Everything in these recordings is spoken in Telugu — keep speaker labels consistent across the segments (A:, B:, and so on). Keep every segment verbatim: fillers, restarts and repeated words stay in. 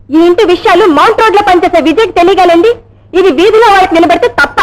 A: ఈ ఇంటి విషయాలు మౌంట్ రోడ్ లో పనిచేసే విజయ్కి తెలియగలండి. ఇది వీధిలో వాళ్ళకి నిలబెడితే తప్ప.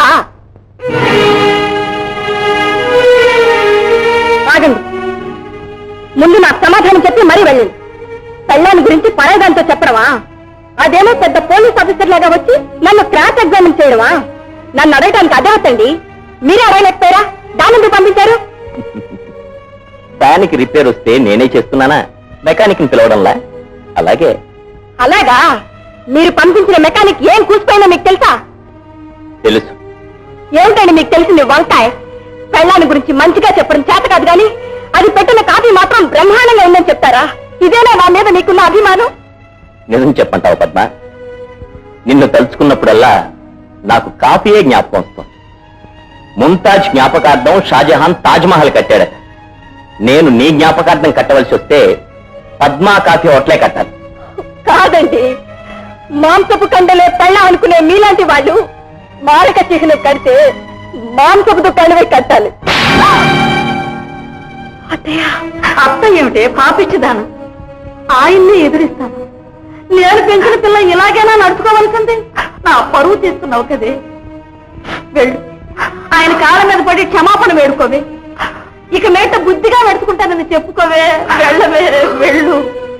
A: ఆగండి, ముందు నాకు సమాధానం చెప్పి మరీ వెళ్ళండి. పెళ్ళాన్ని గురించి పరాయిదాంతో చెప్పడమా? అదేమో పెద్ద పోలీస్ ఆఫీసర్ లాగా వచ్చి నన్ను క్రాస్ ఎగ్జామిన్ చేయడమా? నన్ను అడగడానికి అదే అవుతండి. మీరే అడగలేకపోయారా? దాని పంపించారు.
B: దానికి రిపేర్ వస్తే నేనే చేస్తున్నానా? మెకానిక్ ని పిలవడంలా? అలాగే.
A: అలాగా? మీరు పంపించిన మెకానిక్ ఏం కూసిపోయినా మీకు తెలుసా?
B: తెలుసు.
A: ఏమిటండి మీకు తెలిసింది? వంకాయ. పెళ్ళాన్ని గురించి మంచిగా చెప్పడం చేత కాదు గాని అది పెట్టిన కాఫీ మాత్రం బ్రహ్మాండంగా ఉందని చెప్తారా? ఇదేనా నా మీద మీకున్న అభిమానం?
B: నిజం చెప్పంటావు పద్మ, నిన్ను తలుచుకున్నప్పుడల్లా నాకు కాఫీయే జ్ఞాపకం వస్తుంది. ముంతాజ్ జ్ఞాపకార్థం షాజహాన్ తాజ్ మహల్ కట్టాడట. నేను నీ జ్ఞాపకార్థం కట్టవలసి వస్తే పద్మా కాఫీ హోటలే కట్టాలి.
A: కాదండి, మాంసపు కండలే పెళ్ళ అనుకునే మీలాంటి వాళ్ళు మారక చిహ్నం కడితే మాంసపు దుకాణమే కట్టాలి. అత్త ఏమిటే పాపిచ్చిదాను? ఆయన్ని ఎదురిస్తాను. నేను పెంచిన పిల్ల ఇలాగైనా నడుచుకోవాల్సింది. నా పరువు తీస్తున్నావు కదే. వెళ్ళు, ఆయన కాళ్ళ మీద పడి క్షమాపణ వేడుకోవే. ఇక మేట బుద్ధిగా నడుచుకుంటానని చెప్పుకోవే. వెళ్ళవే, వెళ్ళు.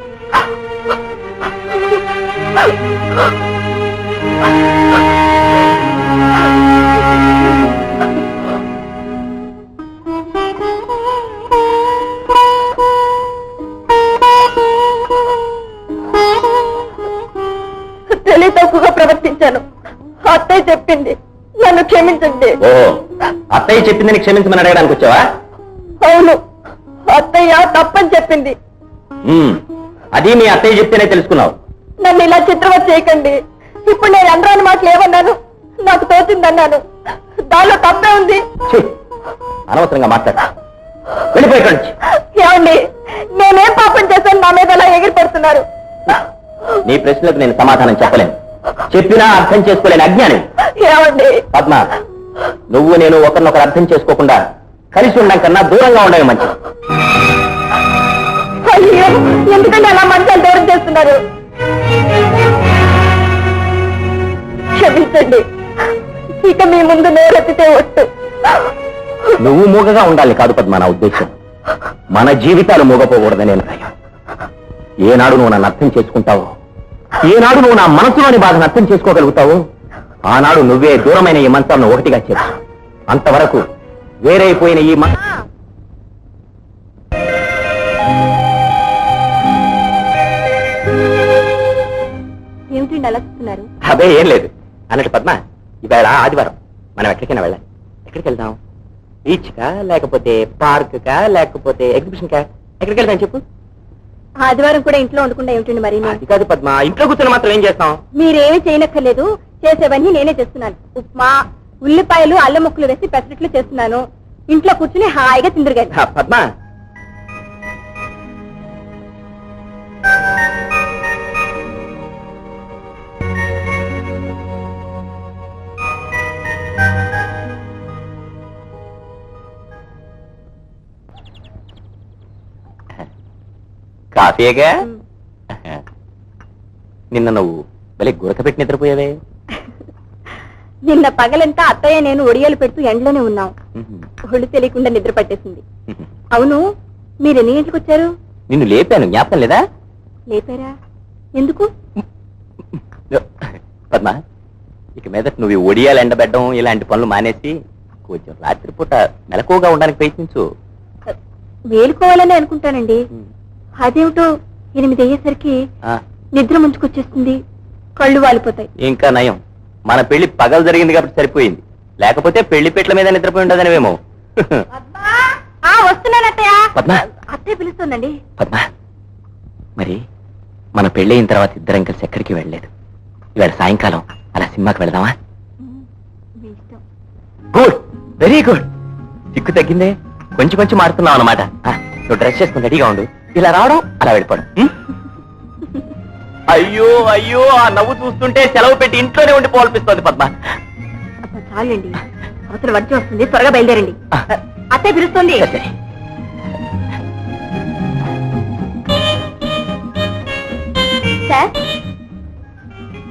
A: తెలివి తక్కువగా ప్రవర్తించాను. అత్తయ్య చెప్పింది, నన్ను క్షమించండి.
B: ఓహో, అత్తయ్య చెప్పిందని క్షమించమని అడగడానికి వచ్చావా?
A: అవును, అత్తయ్య తప్పని చెప్పింది.
B: అది మీ అత్తయ్య చెప్తేనే తెలుసుకున్నావు.
A: నన్ను ఇలా చిత్రవత చేయకండి. ఇప్పుడు నేను అనరాని మాటలు ఏమన్నాను? నాకు తోచిందన్నాను. దానిలో తప్పే ఉంది.
B: అనవసరంగా మాట్లాడు. వెళ్ళిపోయి.
A: ఏమండి, నేనేం పాపం చేశాను నా మీద అలా ఎగిరి పడుతున్నారు?
B: నీ ప్రశ్నలకు నేను సమాధానం చెప్పలేను. చెప్పినా అర్థం చేసుకోలేని అజ్ఞాని.
A: ఏమండి?
B: పద్మ, నువ్వు నేను ఒకరినొకరు అర్థం చేసుకోకుండా కలిసి ఉండడం కన్నా దూరంగా ఉండడం మంచిది.
A: అయ్యో, ఎందుకంటే అలా మంచాలు దూరం చేస్తున్నారు? క్షమించండి, ఇక మీ ముందు నేరెత్తితే ఒట్టు.
B: నువ్వు మూగగా ఉండాలి కాదు పద్మ నా ఉద్దేశం. మన జీవితాలు మూగపోకూడదని నేను భయం. ఏనాడు నువ్వు నన్ను అర్థం చేసుకుంటావో, ఏనాడు నువ్వు నా మనసులోని బాధను అర్థం చేసుకోగలుగుతావో, ఆనాడు నువ్వే దూరమైన ఈ మంచాలను ఒకటిగా చేర్చు. అంతవరకు వేరైపోయిన ఈ మన
A: ఏమిటండి అలా చూస్తున్నారు?
B: అదే ఏం లేదు. అన్నట్టు పద్మ, ఇవాళ ఆదివారం, మనం ఎక్కడికైనా వెళ్ళాలి. ఎక్కడికి వెళ్దాం? బీచ్ కా, లేకపోతే పార్క్ కా, లేకపోతే ఎగ్జిబిషన్ కా? ఎక్కడికి వెళ్దాం చెప్పు.
A: ఆదివారం కూడా ఇంట్లో ఉండకుండా ఏమిటండి మరి?
B: అది కాదు పద్మ, ఇంట్లో కూర్చొని మాత్రం ఏం చేస్తాం?
A: మీరేమీ చేయనక్కర్లేదు, చేసేవన్నీ నేనే చేస్తున్నాను. ఉప్మా, ఉల్లిపాయలు, అల్లం ముక్కలు వేసి పెసరట్లు చేస్తున్నాను. ఇంట్లో కూర్చుని హాయిగా తిందురుగాలి.
B: పద్మ, కాఫీగా నిన్న నువ్వు భలే గురక పెట్టి నిద్రపోయావే.
A: నిన్న పగలంతా అత్తయ్య నేను ఒడియాలు పెడుతూ ఎండలోనే ఉన్నాం. ఒళ్ళు తెలియకుండా నిద్ర పట్టేసింది. అవును, మీరు ఎన్ని గంటలకు వచ్చారు?
B: నిన్ను లేపాను, జ్ఞాపకం లేదా?
A: లేపారా? ఎందుకు?
B: పద్మ, ఇక మీద నువ్వు ఒడియాలు ఎండబెట్టడం ఇలాంటి పనులు మానేసి కొంచెం రాత్రిపూట మెలకువగా ఉండడానికి ప్రయత్నించు.
A: మేలుకోవాలని అనుకుంటానండి. అదేమిటో ఎనిమిది అయ్యేసరికి నిద్ర ముంచుకొచ్చేస్తుంది, కళ్ళు వాలిపోతాయి.
B: ఇంకా నయం, మన పెళ్లి పగలు జరిగింది కాబట్టి సరిపోయింది. లేకపోతే పెళ్లి పెట్ల మీద నిద్రపోయి ఉండదనివేమో.
A: వస్తున్నాను అత్తయ్య.
B: పద్మ,
A: అత్తయ్య పిలుస్తుందండి.
B: పద్మ, మరి మన పెళ్లి అయిన తర్వాత ఇద్దరం కలిసి ఎక్కడికి వెళ్ళలేదు. ఇవాళ సాయంకాలం అలా సినిమాకి వెళదామా? Good, very good. చిక్కు తగ్గిందే, కొంచెం కొంచెం మారుతున్నావు అనమాట. నువ్వు డ్రెస్ చేసుకుని రెడీగా ఉండు. ఇలా రావడం, అలా వెళ్ళిపోవడం. అయ్యో అయ్యో, ఆ నవ్వు చూస్తుంటే సెలవు పెట్టి ఇంట్లోనే ఉండిపోవాలనిపిస్తోంది పద్మ.
A: చాలండి, అవతల వర్జం వస్తుంది, త్వరగా బయలుదేరండి. అత్తయ్య పిలుస్తుంది. సార్,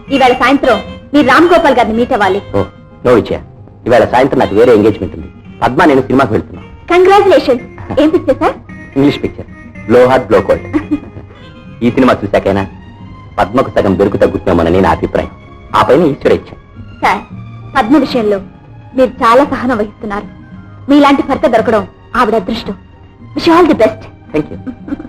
A: ఈవేళ సాయంత్రం మీరు రామ్ గోపాల్ గారిని మీట్ అవ్వాలి.
B: ఓ నో విజయ, ఇవాళ సాయంత్రం నాకు వేరే ఎంగేజ్మెంట్ ఉంది. పద్మ నేను సినిమాకి వెళ్తున్నాను.
A: కంగ్రాచులేషన్స్. ఏం picture sir?
B: English picture, blow heart blow cold. ఈ సినిమా చూశాకైనా పద్మకు సగం దొరుకు తగ్గుతున్నామని నా అభిప్రాయం. ఆ పైన ఈశ్వర ఇచ్చా.
A: సార్, పద్మ విషయంలో మీరు చాలా సహనం వహిస్తున్నారు. మీలాంటి భర్త దొరకడం ఆవిడ అదృష్టం. Wish all the best.
B: Thank you.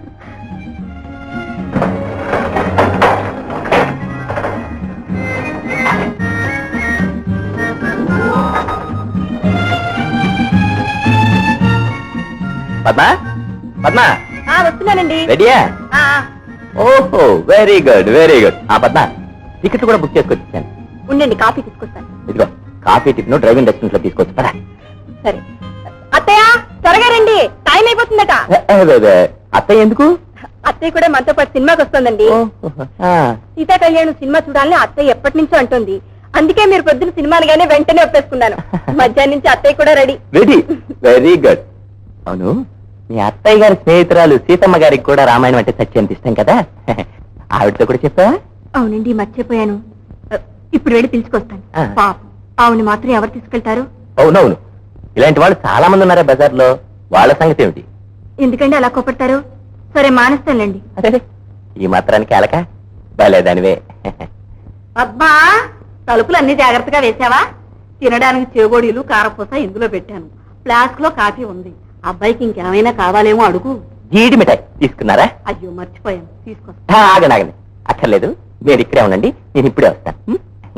B: Padma Padma
A: వస్తున్నానండి.
B: రెడీయా? ఓహో వెరీ గుడ్ వెరీ గుడ్. ఆ పద్మ టికెట్ కూడా బుక్ చేసుకొచ్చాను.
A: ఉండండి, కాఫీ తీసుకొస్తాను.
B: ఇదిగో కాఫీ టిఫిన్ డ్రైవింగ్ రెస్టారెంట్ లో తీసుకొచ్చు పదా.
A: సరే అత్తయ్య, త్వరగా రండి, టైం అయిపోతుందట.
B: అత్తయ్య ఎందుకు?
A: అత్తయ్య కూడా మనతో పాటు సినిమాకి వస్తుందండి. సీతా కళ్యాణం సినిమా చూడాలని అత్తయ్య ఎప్పటి నుంచో అంటుంది. అందుకే మీరు పొద్దున సినిమాలుగానే వెంటనే ఒప్పేసుకున్నాను. మధ్యాహ్నం నుంచి అత్తయ్య కూడా రెడీ.
B: Ready, very good. అవును, మీ అత్తయ్య గారి స్నేహితురాలు సీతమ్మ గారికి కూడా రామాయణం అంటే సత్యంత ఇష్టం కదా, ఆవిడతో కూడా చెప్పావా?
A: అవునండి, మర్చిపోయాను. ఇప్పుడు వెళ్ళి పిలుచుకొస్తాను.
B: ఆ.
A: పాపం ఆవుని మాత్రం ఎవరు తీసుకెళ్తారు?
B: అవునవును, ఇలాంటి వాళ్ళు చాలా మంది ఉన్నారా బజార్లో, వాళ్ళ సంగతి ఏమిటి?
A: ఎందుకంటే అలా కోపడతారు? సరే మానేస్తానులేండి.
B: అదే ఈ మాత్రానికి అలక బాలేదానివే.
A: అబ్బా, తలుపులు అన్ని జాగ్రత్తగా వేసావా? తినడానికి చేగోడీలు కారపూస ఇందులో పెట్టాను. ఫ్లాస్క్ లో కాఫీ ఉంది. అబ్బాయికి ఇంకేమైనా కావాలేమో అడుగు.
B: జీడి మిఠాయి తీసుకున్నారా?
A: అయ్యో మర్చిపోయాను, తీసుకొస్తా.
B: ఆ, ఆగండి ఆగండి, అక్కర్లేదు, మీరు ఇక్కడే ఉండండి, నేను ఇప్పుడే వస్తాను. ఉం?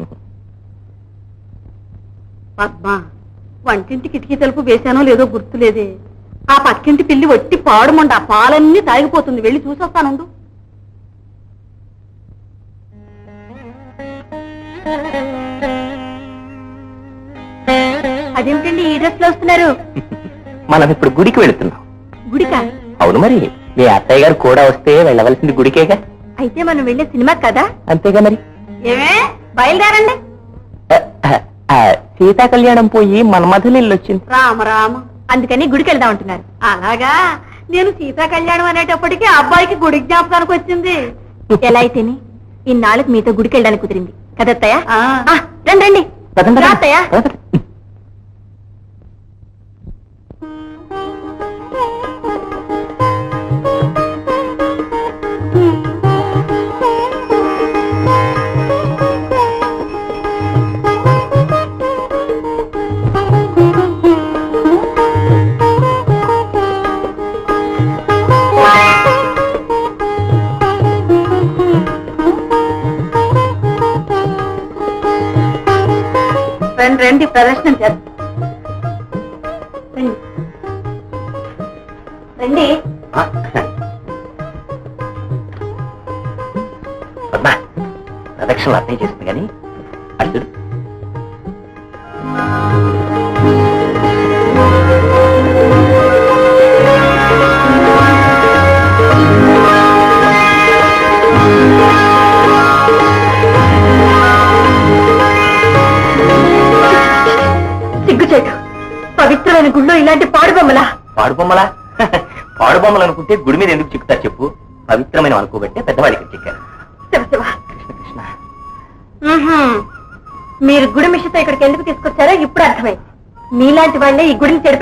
A: పద్మా, వంటింటి కిటికీ తలుపు వేశానో లేదో గుర్తులేదే. ఆ పక్కింటి పిల్లి వట్టి పాడుమంట, ఆ పాలన్నీ తాగిపోతుంది. వెళ్ళి చూసొస్తానుండు. అదేమిటండి ఈ డ్రెస్ లో వస్తున్నారు?
B: మనం ఇప్పుడు గుడికి వెళుతున్నాం.
A: గుడికా?
B: అవును, మరి మీ అత్తయ్య గారు కూడా వస్తే వెళ్ళవలసింది గుడికేగా.
A: అయితే మనం వెళ్ళే సినిమా కదా?
B: అంతేగా మరి.
A: ఏమే, బయలుదేరండి.
B: ఆ, ఆ, ఆ, సీతా కళ్యాణం పోయి మన మధులిల్లు వచ్చింది.
A: రామ రామ, అందుకని గుడికి వెళ్దాం అంటున్నారు. అలాగా, నేను సీతా కళ్యాణం అనేటప్పటికీ అబ్బాయికి గుడి జ్ఞాపకానికి వచ్చింది. ఎలా అయితేనే ఇన్నాళ్ళకి మీతో గుడికి వెళ్ళడానికి కుదిరింది కదత్తయ్య. రండి రండి.
B: పదండి,
A: రా
B: పదండి.
A: అత్తయ్య.
B: పదండి.
A: రండి రండి, ప్రదర్శన చేద్దాం. రండి రండి.
B: ఆ, పద్మ ప్రదక్షిణలు అర్థం చేస్తుంది కానీ అర్జుడు
A: సిగ్గుచేటు, పవిత్రమైన గుళ్ళో ఇలాంటి పాడుబొమ్మలా?
B: పాడుబొమ్మలా? పాడుబొమ్మలు అనుకుంటే గుడి మీద ఎందుకు చిక్కుతారు చెప్పు? పవిత్రమైన అనుకోబట్టే పెద్దవాడికి చిక్కారు.
A: శివ శివ.
B: కృష్ణ కృష్ణ.
A: మ్మ్హ్మ్. మీరు గుడి మిషతో ఇక్కడికి ఎందుకు తీసుకొచ్చారో ఇప్పుడు అర్థమైంది. మీలాంటి వాళ్ళే ఈ గుడిని చెడు